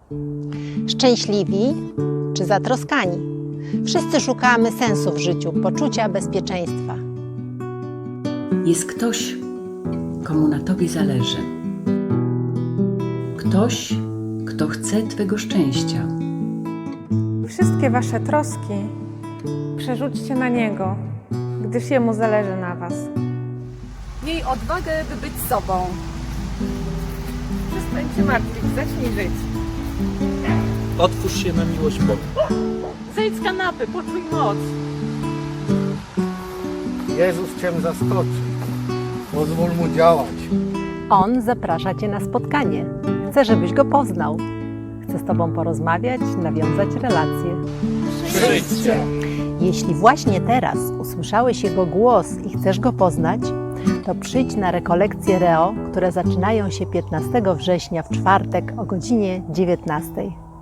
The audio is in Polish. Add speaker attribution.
Speaker 1: Szczęśliwi czy zatroskani? Wszyscy szukamy sensu w życiu, poczucia bezpieczeństwa.
Speaker 2: Jest ktoś, komu na Tobie zależy. Ktoś, kto chce Twego szczęścia.
Speaker 3: Wszystkie wasze troski przerzućcie na Niego, gdyż Jemu zależy na was.
Speaker 4: Miej odwagę, by być sobą.
Speaker 3: Przestań się martwić, zacznij żyć.
Speaker 5: Otwórz się na miłość Boga.
Speaker 4: Zejdź z kanapy, poczuj moc.
Speaker 6: Jezus Cię zaskoczy. Pozwól Mu działać.
Speaker 1: On zaprasza Cię na spotkanie. Chce, żebyś Go poznał. Chce z Tobą porozmawiać, nawiązać relacje.
Speaker 5: Przyjdźcie!
Speaker 1: Jeśli właśnie teraz usłyszałeś Jego głos i chcesz Go poznać, to przyjdź na rekolekcje REO, które zaczynają się 15 września w czwartek o godzinie 19.